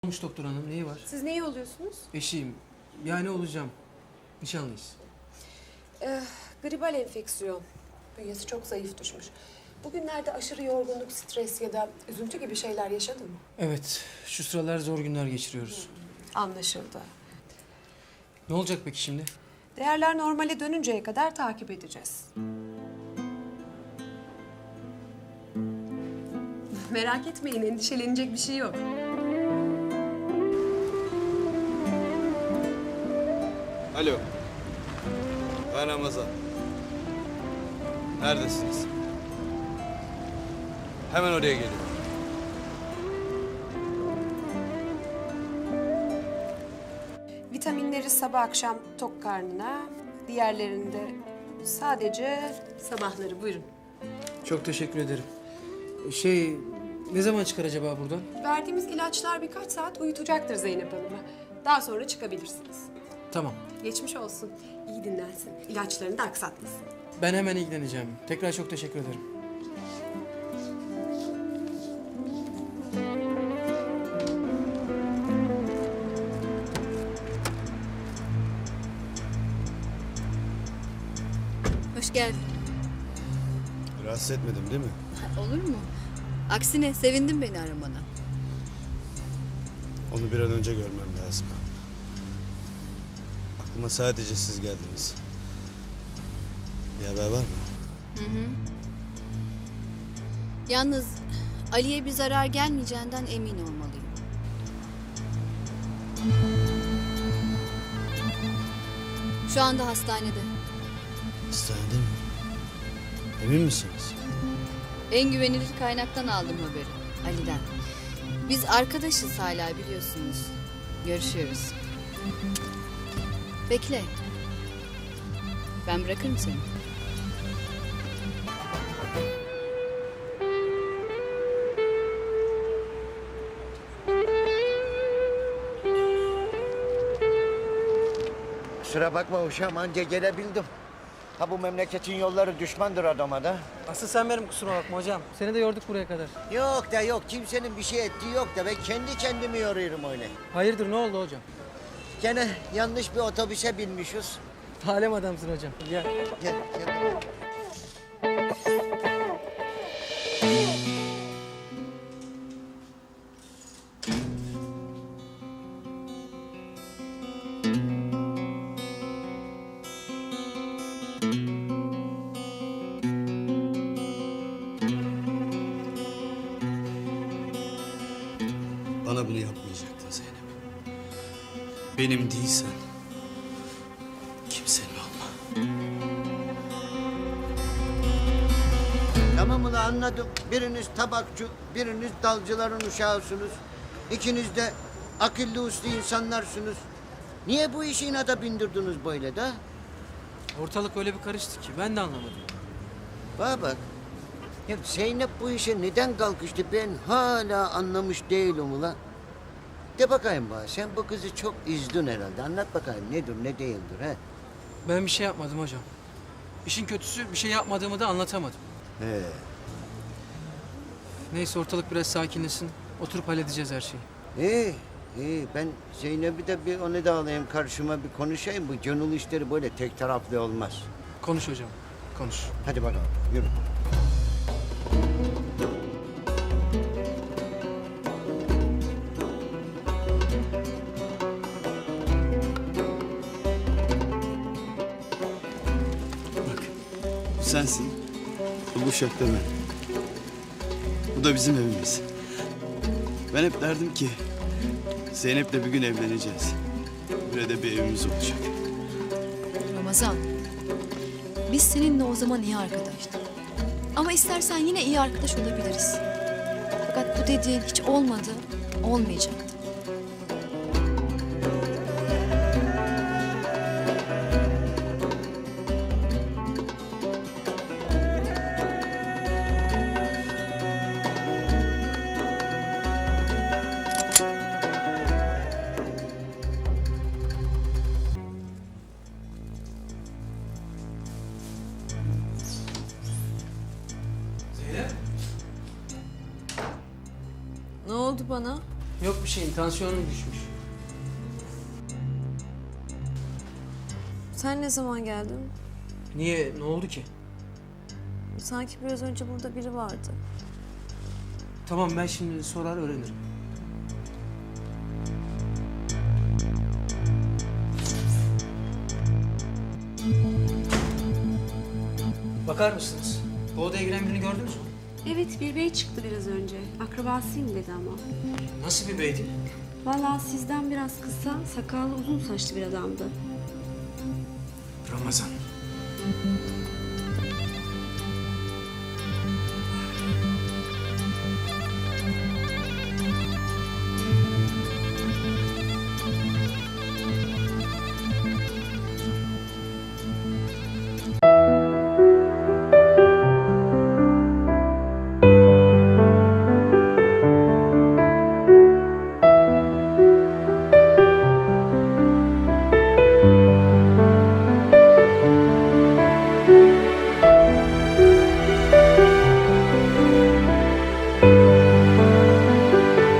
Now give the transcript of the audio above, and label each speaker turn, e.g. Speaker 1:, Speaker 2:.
Speaker 1: Olmuş doktor hanım, neyi var?
Speaker 2: Siz neyi oluyorsunuz?
Speaker 1: Eşiyim. Yani olacağım. Nişanlıyız.
Speaker 2: Gribal enfeksiyon. Bünyesi çok zayıf düşmüş. Bugünlerde aşırı yorgunluk, stres ya da üzüntü gibi şeyler yaşadın mı?
Speaker 1: Evet, şu sıralar zor günler geçiriyoruz.
Speaker 2: Anlaşıldı.
Speaker 1: Ne olacak peki şimdi?
Speaker 2: Değerler normale dönünceye kadar takip edeceğiz. Merak etmeyin, endişelenecek bir şey yok.
Speaker 3: Alo. Ben Ramazan. Neredesiniz? Hemen oraya geliyorum.
Speaker 2: Vitaminleri sabah akşam tok karnına, diğerlerinde sadece sabahları. Buyurun.
Speaker 1: Çok teşekkür ederim. Ne zaman çıkar acaba buradan?
Speaker 2: Verdiğimiz ilaçlar birkaç saat uyutacaktır Zeynep Hanım'ı. Daha sonra çıkabilirsiniz.
Speaker 1: Tamam.
Speaker 2: Geçmiş olsun. İyi dinlensin. İlaçlarını da aksatmasın.
Speaker 1: Ben hemen ilgileneceğim. Tekrar çok teşekkür ederim.
Speaker 4: Hoş geldin.
Speaker 3: Rahatsız etmedim değil mi?
Speaker 4: Olur mu? Aksine sevindim beni aramana.
Speaker 3: Onu bir an önce görmem lazım. Aklıma sadece siz geldiniz. Bir haber var mı?
Speaker 4: Yalnız Ali'ye bir zarar gelmeyeceğinden emin olmalıyım. Şu anda hastanede.
Speaker 3: Hastanede mi? Emin misiniz?
Speaker 4: En güvenilir kaynaktan aldım haberi. Ali'den. Biz arkadaşız hala biliyorsunuz. Görüşüyoruz. Bekle. Ben bırakırım seni.
Speaker 5: Kusura bakma uşağım, anca gelebildim. Ha bu memleketin yolları düşmandır adama da.
Speaker 1: Asıl sen benim kusuruma bakma hocam. Seni de yorduk buraya kadar.
Speaker 5: Yok da yok, kimsenin bir şey ettiği yok da ben kendi kendimi yoruyorum öyle.
Speaker 1: Hayırdır, ne oldu hocam?
Speaker 5: Gene yanlış bir otobüse binmişiz.
Speaker 1: Alem adamsın hocam. Gel.
Speaker 5: Gel, gel.
Speaker 3: Bana bunu yapmayacaktın Zeynep. Benim değilsen kimsenin olma.
Speaker 5: Tamam ulan, anladım. Biriniz tabakçı, biriniz dalcıların uşağısınız. İkiniz de akıllı uslu insanlarsınız. Niye bu işi inada bindirdiniz böyle de?
Speaker 1: Ortalık öyle bir karıştı ki ben de anlamadım.
Speaker 5: Bana bak. Ya Zeynep bu işe neden kalkıştı ben hala anlamış değilim ulan. De bakayım bana, sen bu kızı çok üzdün herhalde. Anlat bakayım nedir ne değildir he?
Speaker 1: Ben bir şey yapmadım hocam. İşin kötüsü bir şey yapmadığımı da anlatamadım.
Speaker 5: He.
Speaker 1: Neyse ortalık biraz sakinleşsin. Oturup halledeceğiz her şeyi.
Speaker 5: İyi, iyi. Ben Zeynep'i de bir onu da alayım karşıma bir konuşayım. Bu gönül işleri böyle tek taraflı olmaz.
Speaker 1: Konuş hocam, konuş.
Speaker 5: Hadi bakalım yürü.
Speaker 3: Bak, bu sensin. Bu uşak da ben. Bu da bizim evimiz. Ben hep derdim ki Zeynep'le bir gün evleneceğiz. Burada bir evimiz olacak.
Speaker 6: Ramazan, biz seninle o zaman iyi arkadaştık. Ama istersen yine iyi arkadaş olabiliriz. Fakat bu dediğin hiç olmadı, olmayacaktı.
Speaker 1: Zeynep.
Speaker 2: Ne oldu bana?
Speaker 1: Yok bir şeyin, tansiyonum düşmüş.
Speaker 7: Sen ne zaman geldin?
Speaker 1: Niye? Ne oldu ki?
Speaker 7: Sanki biraz önce burada biri vardı.
Speaker 1: Tamam, ben şimdi sorar öğrenirim. Bakar mısınız? Bu odaya giren birini gördünüz mü?
Speaker 2: Evet, bir bey çıktı biraz önce. Akrabasıyım dedi ama.
Speaker 1: Nasıl bir beydi?
Speaker 2: Vallahi sizden biraz kısa, sakallı uzun saçlı bir adamdı.
Speaker 1: Ramazan.